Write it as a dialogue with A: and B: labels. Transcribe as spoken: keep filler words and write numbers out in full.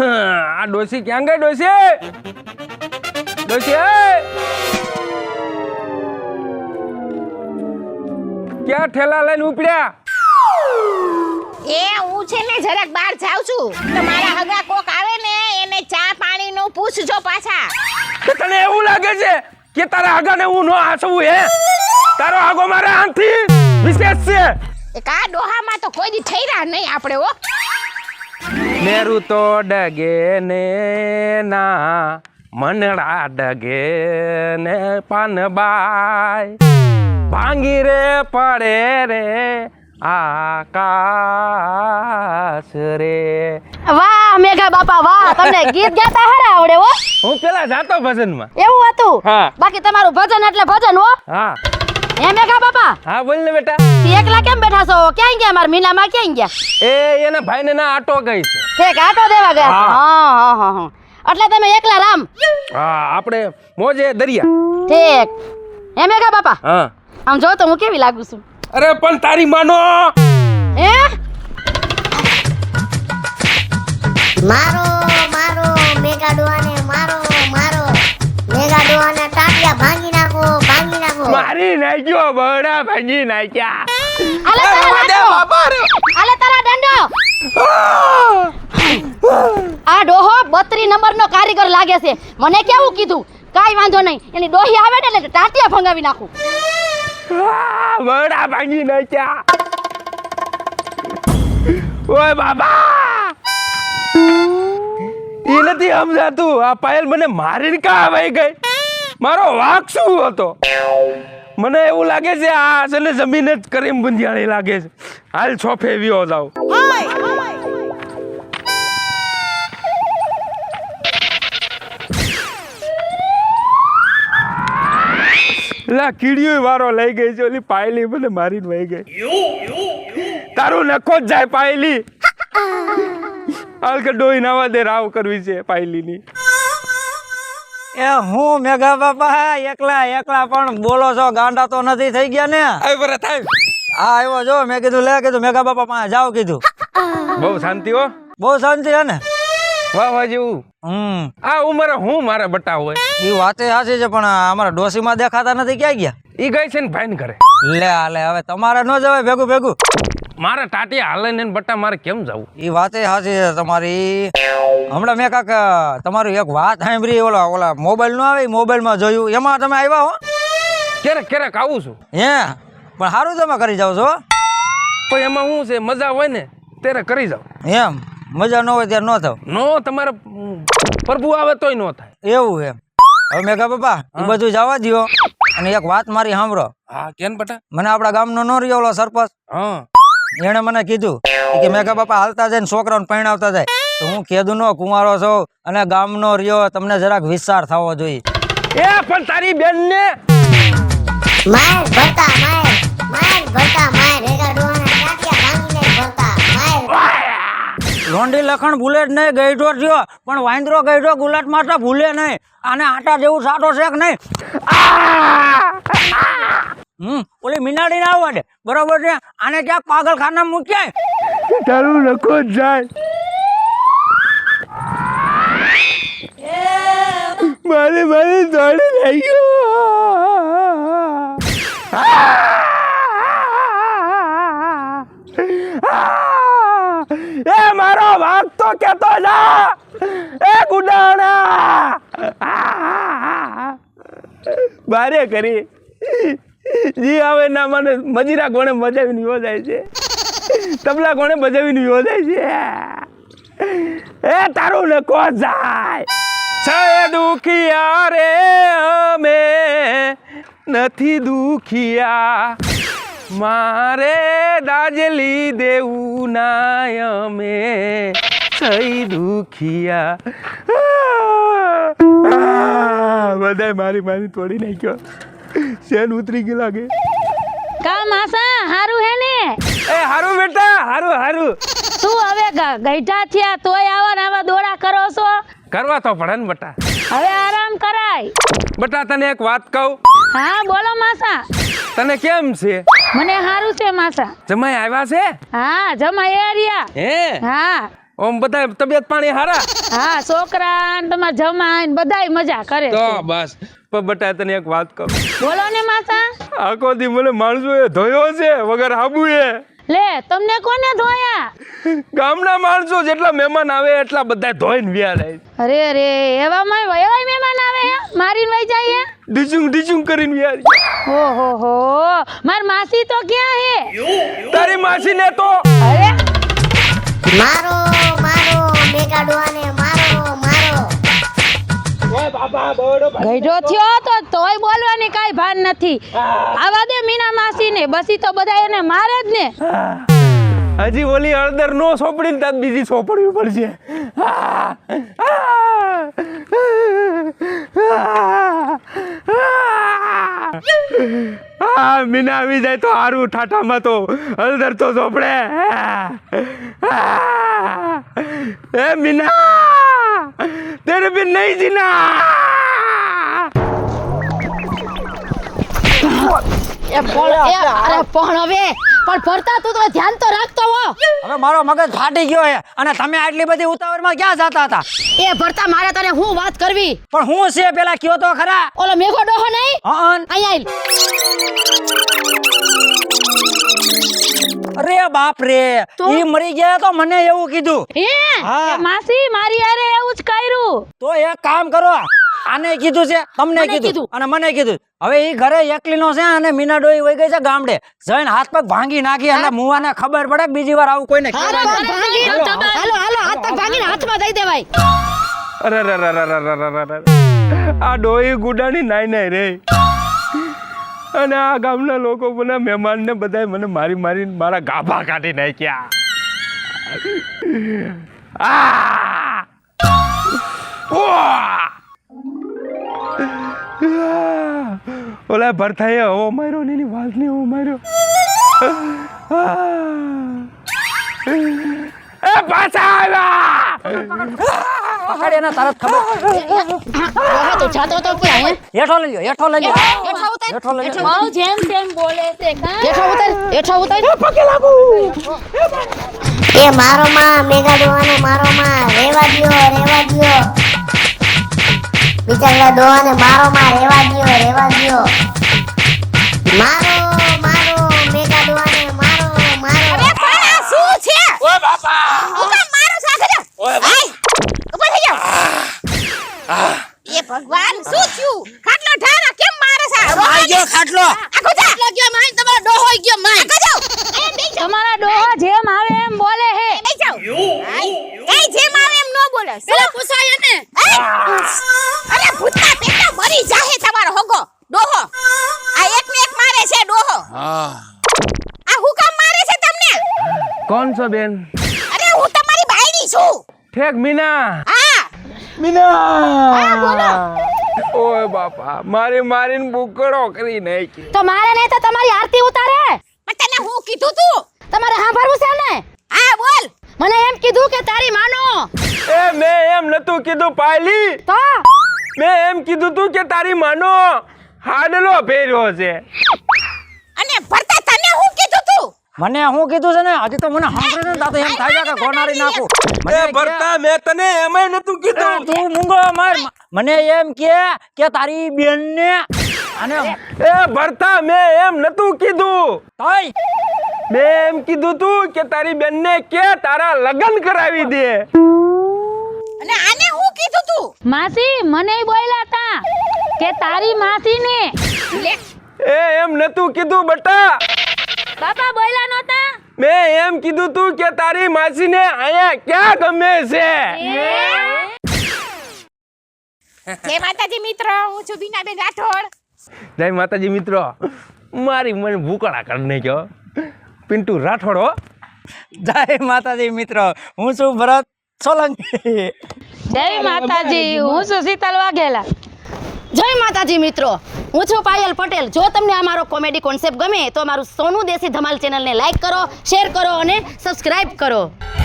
A: આ ડોસી ક્યાં ગઈ? ડોસી ડોસી ક્યાં ઠેલા લઈને ઉપડ્યા?
B: એ હું છે ને જરાક બહાર જાઉં છું તો મારા હગા કોક આવે ને એને ચા પાણી નું પૂછજો પાછા.
A: તને એવું લાગે છે કે તારા હગાને હું નો હાસવું હે? તારો હગો મારા આંથી વિશેષ છે.
B: એ કા ડોહામાં તો કોઈ દી ઠઈરા નહીં આપણે હો.
A: મેરુ તો ડગે ને ના મનડા ડગે ને પાનબાઈ ભાંગી રે પડે રે આકાશ રે.
C: વાહ મેઘા બાપા વાહ, તમને ગીત ગાતા હારા આવડે હો.
A: હું પેલા જાતો ભજનમાં.
C: એવું હતું?
A: હા.
C: બાકી તમારું ભજન એટલે ભજન હો.
A: હા
C: હે મેઘા બાપા?
A: હા બોલ ને બેટા.
C: એકલા કેમ બેઠા છો? ક્યાં ગયા મારા મીનામાં? ક્યાં ગયા?
A: એ એના ભાઈને ના આટો ગઈ છે.
C: ઠીક, આટો દેવા ગયા.
A: હા.
C: હા હા હા હા. એટલે તમે એકલા રામ?
A: હા આપણે મોજે દરિયા.
C: ઠીક. હે મેઘા બાપા?
A: હા.
C: આમ જો તો હું કેવી લાગુ છું?
A: અરે પણ તારી માનો.
C: હે
D: મારો મારો મેગા ડોહાને મારો મારો મેગા ડોહાના ટાટિયા ભાંગી નાખો ભાંગી નાખો.
A: મારી નાખ્યો બડા ભાંગી નાખ્યા.
C: આલે તારા દંડો. આલે તારા દંડો. આ ડોહો બત્રી નંબર નો કારીગર લાગે છે. મને કેવું કીધું કાઈ વાંધો નહીં, એની ડોહી આવે ને એટલે ટાટિયા ભંગાવી નાખું.
A: બડા ભાંગી નાખ્યા. ઓય બાબા એ નથી સમજાતું. આ પાયલ મને મારીને કા આવી ગઈ? મારો વાંક શું હતો? મને એવું લાગે છે આ છે ને જમીન જ કરીમ ગુંજિયાળી લાગે છે. હાલ છોફે વ્યો જાવ. લા કીડીઓ વારો લઈ ગઈ છે. ઓલી પાયલી મને મારીને વહી ગઈ. તારું નખો જ જાય પાયલી. હાલ કે ડોઈ નાવા દે, રાવ કરવી છે પાયલીની.
E: એ હું મેઘા બાપા એકલા એકલા પણ બોલો છો, ગાંડા તો નથી થઈ ગયા ને?
A: આવી બરા થાય.
E: હા આવ્યો જો, મેં કીધું લે કીધું મેઘા બાપા પાસે જાવ કીધું.
A: બહુ શાંતિ હો.
E: બહુ શાંતિ છે ને?
A: વાહ વાહ જેવું.
E: હમ
A: આ ઉંમરે હું મારે બટા હોય.
E: એ વાતે સાચી છે પણ અમારા ડોસીમાં દેખાતા નથી, ક્યાં ગયા?
A: ઈ ગઈ છે ને ભાઈને ઘરે.
E: લે હાલે હવે તમારે ન જવાય ભેગું ભેગું.
A: મારા ટાટિયા હાલે ને બટા મારે કેમ જવું?
E: એ વાતે સાચી છે તમારી. હમણાં મેં કાક તમારી એક વાત સાંભળી, ઓલા ઓલા મોબાઈલ નો આવે મોબાઈલ માં જોયું, એમાં તમે આવ્યા હો?
A: ક્યારેક ક્યારેક આવું છું.
E: હે પણ સારું તમે કરી જાવ છો.
A: પણ એમાં શું છે, મજા હોય ને ત્યારે કરી જાવ.
E: એમ મજા ન હોય ત્યારે ન થાવ.
A: નો તમારે પ્રભુ આવે તોય નો થાય.
E: એવું એમ. હવે મેઘા બાપા એ બધું જવા દો અને એક વાત મારી સાંભળો.
A: હા કેમ બટા?
E: મને આપણા ગામનો નો રહ્યો ઓલો સરપંચ,
A: હા
E: એને મને કીધું કે મેઘા બાપા હાલતા જાય ને છોકરાઓને પરણાવતા જાય તો હું કીધું નો કુંવારો છો અને ગામનો રહ્યો, તમને જરાક વિસ્તાર થવો જોઈએ.
A: એ પણ તારી બેન ને
D: માર ભરતા માર માર ભરતા માર મેગા ડોહાના ટાટિયા ભાંગીને ભરતા માર.
E: લોંડી લખણ ભૂલે જ નહીં, ગઈઢો થયો પણ વાંદરો ગઈઢો ગુલાટ મારતા ભૂલે નહીં. આને આટા જેવું સાટો છે કે નહીં? હમ ઓલી મીનાડી ના આવવા દે, બરોબર છે? આને ક્યાંક પાગલખાના મૂક્યા.
A: તારું નખો જ જાય. મારે મારે દોડી લઈ ગયો. એ મારો વાઘ તો કેતો જા. એ ગુડાણા બારે કરી જી આવે ના મને મજીરા કોણે બજાવીને યોજાય છે, તબલા કોણે બજાવીને યોજાય છે. એ તારું નકો જાય. છે દુખિયા રે અમે નથી દુખિયા, મારે દાજલી દેવું ના અમે સહી દુખિયા. બધાય મારી મારી તોડી નાખ્યો. શેન ઉતરી ગઈ લાગે.
C: કા માસા હારું હે ને?
A: એ હારું બેટા, હારું હારું.
C: તું હવે ગઈઢા થયા તોય આવા ને આવા દોડા કરો છો?
A: કરવા તો પડે ને બટા.
C: હવે આરામ કરાય.
A: બટા તને એક વાત કહું.
C: હા બોલો માસા.
A: તને કેમ છે?
C: મને હારું છે માસા.
A: જમાઈ આવ્યા છે?
C: હા જમાઈ આવ્યા.
A: હે
C: હા
A: ઓમ બધા તબિયત પાણી હારા
F: હા છોકરા ને તમારા જમાઈ ને બધાય મજા કરે
A: તો
F: છે.
A: બસ પણ બટા તને એક વાત કહું
F: બોલો ને માતા.
A: આખો દી મને માણસો એ ધોયો છે વગર હાબુ એ
F: લે તમને કોને ધોયા?
A: ગામના માણસો જેટલા મહેમાન આવે એટલા બધા ધોઈને વ્યા જાય
F: અરે રે એવામાં એવાય મહેમાન આવે હે? મારીને વઈ જાય હે?
A: ડીચુંગ ડીચુંગ કરીને વ્યા જાય.
F: ઓહો હો માર માસી તો ક્યાં હે?
A: તારી માસીને તો
F: અરે
D: મારો મારો મેઘા ડોહાને મારો મારો
F: ગઈઢો થયો તો તોય બોલવાની કાઈ ભાન નથી. આવા દે મીના માસી ને બસી તો બધા એને મારે જ ને.
A: હજી ઓલી હળદર નો સોપડી ને બીજી સોપડવી પડશે. હા મીના આવી જાય તો હારું ઠાઠામાં તો હળદર તો સોપડે. એ મીના તેરે બિન નહીં જીના.
C: એ પણ એ અરે પણ હવે પણ ભરતા તું તો ધ્યાન તો રાખતો હો.
E: હવે મારો મગજ ફાટી ગયો છે અને તમે આટલી બધી ઉતાવળમાં ક્યાં જતા હતા?
C: એ ભરતા મારે તને હું વાત કરવી.
E: પણ હું છે પેલા કયો તો ખરા.
C: ઓલો મેઘો ડોહો નહીં
E: હં.
C: અહીંયા આલ.
E: અરે બાપ રે ઈ મરી ગયા તો મને એવું કીધું.
F: હે
E: હા.
F: એ માસી મારી યારે એવું જ કર્યું.
E: તો એક કામ કરો, આને કીધું છે, તમને
C: મને
E: કીધું
C: કીધું.
E: અને મને કીધું. હવે ઈ ઘરે એકલીનો છે અને મીના ડોઈ વઈ ગઈ છે ગામડે. જઈને હાથ પગ ભાંગી નાખી એટલે મુવાને ખબર પડે કે બીજી વાર આવું કોઈને
C: હાથ
E: કહેવાનું
C: પગ
E: નહીં.
C: ભાંગી હાલો હાલો હાથ પગ ભાંગીને હાથમાં દઈ દેવાય.
A: અરે રે રે રે રે રે રે રે. આ ડોહી ગુડાની નાઈ નાઈ રે. અને આ ગામના લોકો મને મહેમાનને બધાય મને મારી મારીને મારા ગાભા કાઢી નાખ્યા. આ! ઉઆ! ઓલા ભરથાએ હવો માર્યો ને એની વાલને હવો માર્યો. એ પાછા આવ્યા.
E: પકડ એને તરત ખબર.
C: ડોહા તો જાતો તો ક્યાં હે?
E: હેઠો લઈ લ્યો, હેઠો લઈ લ્યો.
C: હેઠો ઉતાર.
E: હેઠો લઈ લ્યો.
F: બહુ જેમ તેમ બોલે છે કા?
C: હેઠો ઉતાર. હેઠો ઉતાર.
D: એ મારો માં મેઘા ડોહાને મારો માં રેવા દ્યો રેવા દ્યો બિચારા ડોહાને મારો માં રેવા દ્યો રેવા દ્યો મારો મારો મેઘા ડોહાને મારો મારો
B: અરે પણ આ શું છે?
A: ઓય બાપા.
B: હું કામ મારો સાથે જા.
A: ઓય બાપા.
B: આય, ઊભો થઈ જાઓ. એ ભગવાન શું થયું? ખાટલો ઢારા કેમ મારે છે?
E: આઈ ગયો ખાટલો.
B: આખો જા.
C: ખાટલો ગયો માય તમારો ડોહો ઈ ગયો માય.
B: આખો જાઓ. એ બેસી જાઓ.
F: તમારા ડોહા જેમ આવે એમ બોલે હે.
B: બેસી જાઓ. આય, એ જેમ આવે એમ ન બોલે.
C: પેલા પૂછાય ને.
B: અરે ભૂતના પેટા મરી જાહે તમારો હોગો ડોહો. આ એક ને એક મારે છે ડોહો. આ હું કામ મારે છે તમને?
A: કોણ છો બેન?
B: અરે હું તમારી બાયડી છું.
A: ઠેક મીના.
B: હા
A: મીના.
B: બોલો.
A: ઓય બાપા મારી મારીને બુકડો કરી નાખી.
C: તો મારે નહીં તો તમારી આરતી ઉતારે.
B: પણ તને હું કીધું તું?
C: તમારે સાંભળવું છે ને?
B: હા બોલ.
C: મને એમ કીધું કે તારી માનો.
A: એ મેં એમ નતું કીધું પાયલી.
C: તો
A: મેં એમ કીધું તું કે તારી માનો હાડલો પહેર્યો છે.
B: અને ભરતા તને હું કીધું તું?
E: મને શું કીધું છે ને હજી તો મને સાંભળે ને તો એમ થાય છે કે ગોનારી નાખું. મને
A: એ
E: કે-
A: ભરતા મેં તને એમાંય નતું
E: એ
A: કીધું.
E: તું મૂંગો માર. મને એમ કે કે તારી બેન ને અને
A: એ ભરતા મેં એમ નતું કીધું.
E: તોય
A: મેં એમ કીધું તું કે તારી બેનને કે તારા લગ્ન કરાવી દે.
B: અને આને હું કીધું તું?
F: માસી મને બોલ્યા તા કે તારી માસી ને.
B: લે
A: એ એમ નતું કીધું બટા.
F: બાપા બોલ્યા નહોતા.
A: મેં એમ કીધું તું કે તારી માસીને અહીંયા ક્યાં ગમે છે.
B: જય માતાજી મિત્રો, હું છું બીનાબેન રાઠોડ.
A: જય માતાજી મિત્રો. મારી મને ભૂકડા કરી નાખ્યો પિન્ટુ રાઠોડ હો.
E: જય માતાજી મિત્રો, હું છું ભરત સોલંકી.
F: જય માતાજી, હું છું શીતલ વાઘેલા.
C: જય માતાજી મિત્રો, હું છું પાયલ પટેલ. જો તમને આ મારો કોમેડી કોન્સેપ્ટ ગમે તો મારું સોનું દેશી ધમાલ ચેનલને લાઈક કરો, શેર કરો અને સબસ્ક્રાઇબ કરો.